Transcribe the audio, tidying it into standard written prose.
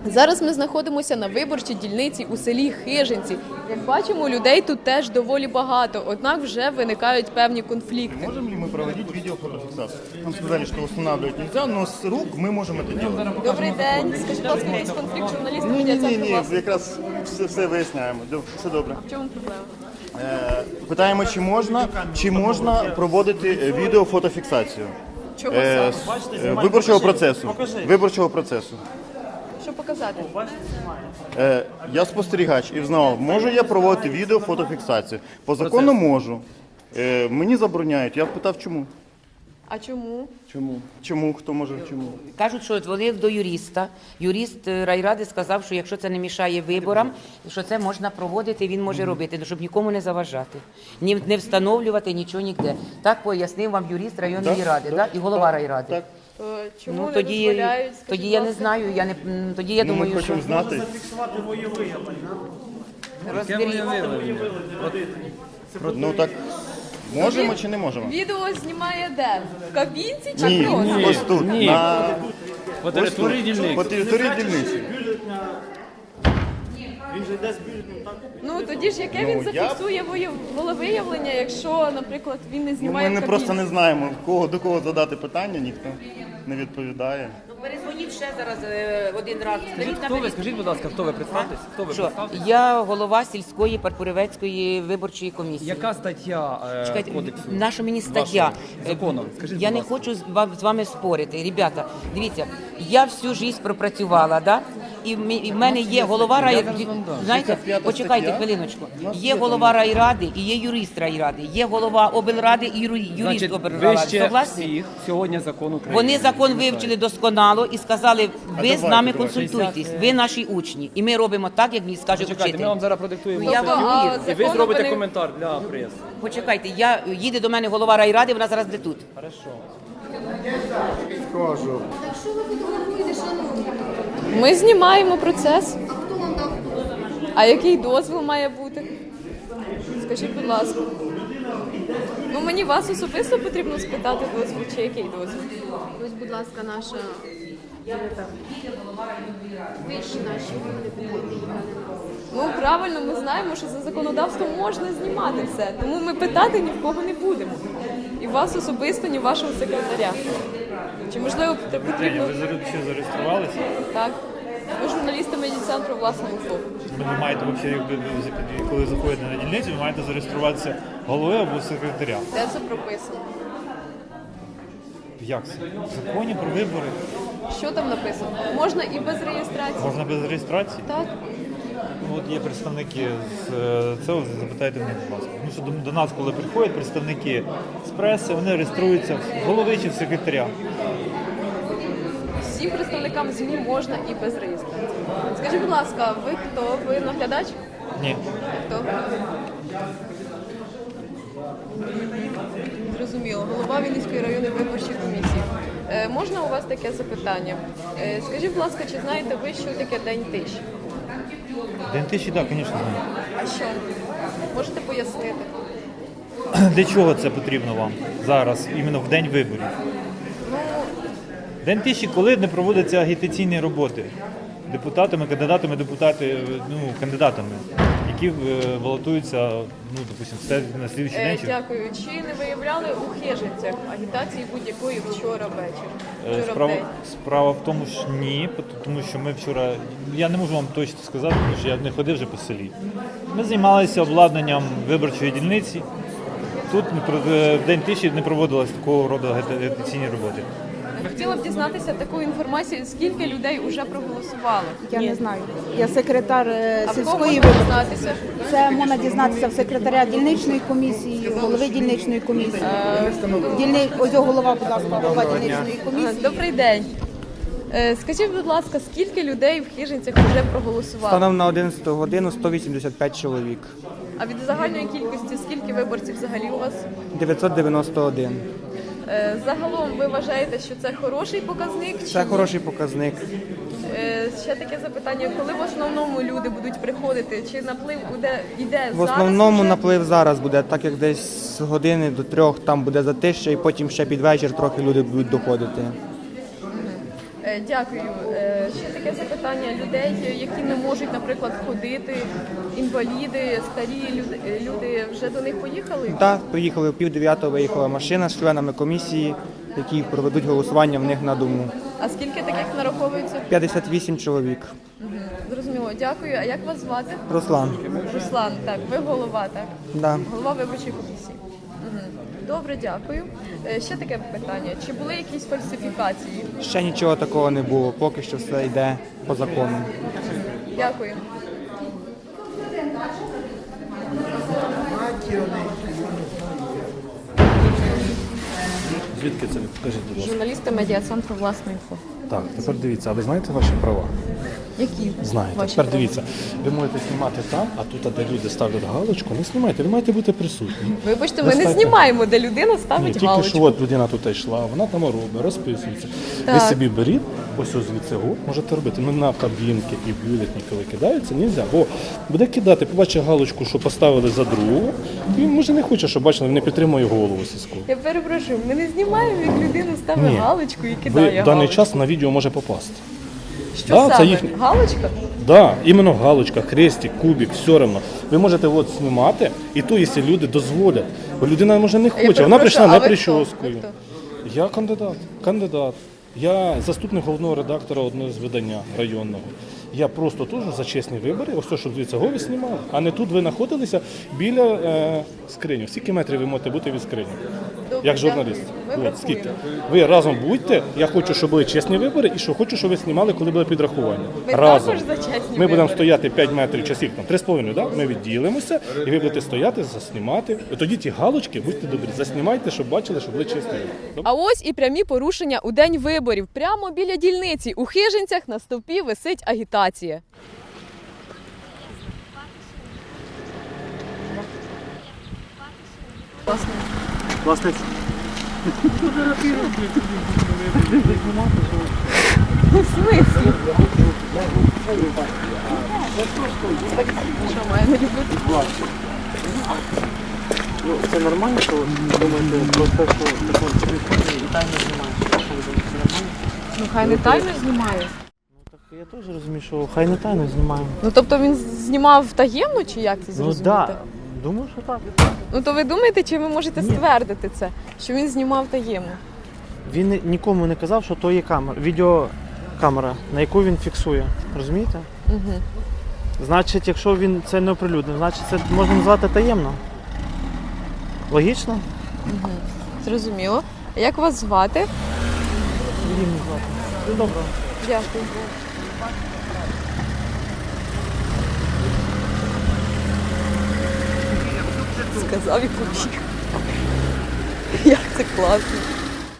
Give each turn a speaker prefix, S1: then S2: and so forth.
S1: Зараз ми знаходимося на виборчій дільниці у селі Хижинці. Як бачимо, людей тут теж доволі багато, однак вже виникають певні конфлікти.
S2: Можем ли мы проводить видеофотофиксацию? Нам сказали, что устанавливать нельзя, но с рук мы можем это делать.
S1: Добрий день. Скажіть, будь ласка, якийсь конфлікт журналістів
S2: Ні,
S1: медіа-центру власне?
S2: якраз все виясняємо. Все добре.
S1: В чому проблема?
S2: Питаємо, чи можна проводити відеофотофіксацію
S1: Чого саме?
S2: виборчого процесу.
S1: Що показати?
S2: Я спостерігач і взнавав, можу я проводити відеофотофіксацію. По закону можу. Мені забороняють. Я питав, чому.
S1: А чому?
S2: Чому? Хто може чому?
S3: Кажуть, що дзвонив до юриста. Юрист райради сказав, що якщо це не мішає виборам, що це можна проводити, він може робити, щоб нікому не заважати, не встановлювати нічого ніде. Так пояснив вам юрист районної ради, да? І голова райради.
S2: Так.
S1: То чому
S3: Ну,
S1: не
S3: тоді
S1: дозволяють? Скажіть,
S3: тоді я
S1: будь
S3: не
S1: ласка.
S3: знаю, тоді я
S2: Ми
S3: думаю, що
S2: хочемо знати.
S3: розберіть.
S2: Ну так, можемо чи не можемо?
S1: Відео знімає де? В кабінці чи
S2: Ні,
S1: просто?
S2: ось тут.
S4: По території дільниці.
S2: По території дільниці.
S1: Ну тоді ж яке
S2: Ну,
S1: він зафіксує волевиявлення, якщо, наприклад, він не
S2: Ну,
S1: знімає
S2: ми
S1: в
S2: просто
S1: кабінці?
S2: не знаємо, до кого задати питання, ніхто не відповідає.
S3: Перезвоніть ще зараз один раз.
S4: Скажіть, будь ласка, хто ви? Представтесь? Хто ви?
S3: Що?
S4: Представтесь?
S3: Я голова сільської Парпуревецької виборчої комісії.
S4: Яка стаття
S3: Чекайте,
S4: кодексу?
S3: наша мені стаття.
S4: законом? Скажіть,
S3: Я
S4: будь
S3: не
S4: ласка.
S3: хочу з вами спорити. Ребята, дивіться, я всю життя пропрацювала, да? І в мене є голова райради. Знаєте,
S2: 65
S3: почекайте
S2: стаття.
S3: хвилиночку. Є голова райради і є юрист райради. Є голова облради і юрист
S4: Значить,
S3: облради.
S4: вище
S3: Согласні?
S4: всіх сьогодні закон України.
S3: Вони закон вивчили досконало і сказали, ви з нами
S2: давайте.
S3: консультуйтесь, ви наші учні. І ми робимо так, як мені скаже
S4: Чекайте,
S3: учитель.
S4: ми вам зараз продиктуємо
S3: Ну, я
S4: статтю,
S3: вам вірю.
S4: і ви
S1: Законом
S4: зробите
S1: вони-
S4: коментар для преси.
S3: Почекайте, їде до мене голова райради, вона зараз де тут.
S4: Хорошо.
S1: Ми знімаємо процес. А який дозвіл має бути? Скажіть, будь ласка. Ну мені вас особисто потрібно спитати дозвіл, чи який дозвіл?
S5: Ось, будь ласка, наша вищі наші депутати.
S1: Ну правильно, ми знаємо, що за законодавством можна знімати все. Тому ми питати ні в кого не будемо. І вас особисто, ні вашого секретаря. Чи можливо потрібно?
S6: Ви ще зареєструвалися?
S1: Так. Ви журналісти медіа-центру власного УФО.
S6: Ви маєте взагалі, коли заходите на дільницю, ви маєте зареєструватися головою або секретаря.
S1: Де це прописано?
S6: Як це? В законі про вибори
S1: Що там написано? Можна і без реєстрації.
S6: можна без реєстрації?
S1: Так.
S6: Ну, от є представники з цього, запитайте в них, будь ласка. Тому що до нас, коли приходять представники з преси, вони реєструються в голови чи в секретаря.
S1: Всім представникам ЗМІ можна і без реєстрації. Скажіть, будь ласка, ви хто? Ви наглядач?
S6: Ні.
S1: Хто? Зрозуміло. Голова Вінницької районної виборчої комісії. Можна у вас таке запитання? Скажіть, будь ласка, чи знаєте ви, що таке День тиші?
S6: День тиші, так, звісно, знаю.
S1: А що? Можете пояснити?
S6: Для чого це потрібно вам зараз, іменно в день виборів? День тиші, коли не проводяться агітаційні роботи депутатами, кандидатами, які балотуються, допустимо, на слідчий день.
S1: Дякую. Чи не виявляли у Хижинцях агітації будь-якої вчора ввечері? Вчора в день?
S6: Справа в тому, що ні, тому що ми вчора, я не можу вам точно сказати, тому що я не ходив вже по селі. Ми займалися обладнанням виборчої дільниці. Тут в день тиші не проводилось такого роду агітаційні роботи.
S1: Хотіла б дізнатися таку інформацію, скільки людей вже проголосувало.
S7: Я не знаю. Я секретар
S1: А в кого
S7: сільської
S1: можна
S7: виборчої.
S1: дізнатися?
S7: Це можна дізнатися в секретаря дільничної комісії, голови дільничної комісії. Ось голова, будь ласка, голова дільничної комісії.
S1: Добрий день. Скажіть, будь ласка, скільки людей в Хижинцях вже проголосувало?
S8: Станом на 11 годину 185 чоловік.
S1: А від загальної кількості скільки виборців взагалі у вас?
S8: 991.
S1: Загалом ви вважаєте, що це хороший показник?
S8: Це хороший показник.
S1: Ще таке запитання, коли в основному люди будуть приходити? Чи наплив іде зараз?
S8: В основному
S1: вже?
S8: наплив зараз буде, так як десь з години до 3 там буде затища, і потім ще під вечір трохи люди будуть доходити.
S1: Дякую. Ще таке запитання людей, які не можуть, наприклад, ходити, інваліди, старі люди вже до них поїхали?
S8: Так, приїхали о 8:30, виїхала машина з членами комісії, які проведуть голосування в них на дому.
S1: А скільки таких нараховується?
S8: 58 чоловік.
S1: Зрозуміло, дякую. А як вас звати?
S8: Руслан.
S1: Руслан, так, ви голова, так?
S8: Да.
S1: Голова виборчої комісії. Добре, дякую. Ще таке питання. Чи були якісь фальсифікації?
S8: Ще нічого такого не було, поки що все йде по закону.
S1: Дякую.
S9: Звідки це? Покажіть, будь ласка.
S1: Журналісти медіа-центру «Власне інфо».
S9: Так, тепер дивіться, а ви знаєте ваші права?
S1: Які?
S9: Знаєте.
S1: ваші
S9: Тепер
S1: права?
S9: дивіться, ви можете знімати там, а тут, де люди ставлять галочку, не знімайте, ви маєте бути присутні.
S1: Вибачте, ми не
S9: Достатньо.
S1: знімаємо, де людина
S9: Ні,
S1: ставить
S9: тільки
S1: галочку.
S9: що от людина тут йшла, вона там робить, розписується. Ви
S1: Так.
S9: собі беріть, ось звідси можете робити. Ну на кабінки і бюлетні, коли кидаються, не можна. Бо буде кидати, побачить галочку, що поставили за другого, і він може не хоче, щоб бачили, він не підтримує голову сільську.
S1: Я перепрошую, ми не знімаємо, як людина ставить
S9: Ні.
S1: галочку і
S9: Ви
S1: кидає
S9: в даний
S1: галочку.
S9: час на відео може попасти.
S1: Що
S9: Да, це
S1: саме?
S9: їхнє.
S1: Галочка?
S9: Да, іменно галочка, хрестик, кубик, все одно. Ви можете от знімати, і то, якщо люди дозволять. Бо людина може не хоче, вона прийшла
S1: перепрошую,
S9: не
S1: а ви хто?
S9: прическою.
S1: Ви хто?
S9: Я кандидат. Я заступник головного редактора одного з видання районного. Я просто теж за чесні вибори, ось то, щоб звідси ви знімали. А не тут ви знаходилися біля скрині. Скільки метрів ви можете бути від скрині?
S1: Добре,
S9: Як журналіст.
S1: дякую. Ми
S9: От, скільки?
S1: врахуємо.
S9: Ви разом будьте. Я хочу, щоб були чесні вибори, і що хочу, щоб ви знімали, коли буде підрахування.
S1: Ми
S9: Разом.
S1: також за чесні
S9: Ми будемо
S1: вибори.
S9: стояти 5 метрів часів, там 3,5, да? Ми відділимося, і ви будете стояти, заснімати. І тоді ті галочки, будьте добрі, заснімайте, щоб бачили, що були чесні вибори.
S1: А ось і прямі порушення у день виборів. Прямо біля дільниці у Хижинцях на стовпі висить агітація.
S4: Власне,
S1: В смислі? Що, має не любити?
S4: це нормально, що ви думаєте про те, що закон і тайно знімає? Що ви думаєте, це нормально?
S1: Ну хай не тайно знімає.
S4: Так я теж розумію, що хай не тайно знімаємо.
S1: Ну тобто він знімав таємно, чи як це зрозуміти?
S4: Думаю, що так.
S1: Ну то ви думаєте, чи ви можете ствердити це, що він знімав таємно?
S4: Він нікому не казав, що то є камера, відеокамера, на яку він фіксує. Розумієте?
S1: Угу.
S4: Значить, якщо він це не оприлюднив, значить це можна назвати таємно. Логічно?
S1: Зрозуміло. А як вас звати?
S4: Рівні звати. Добре.
S1: Дякую. Сказав і побіг. Як це класно.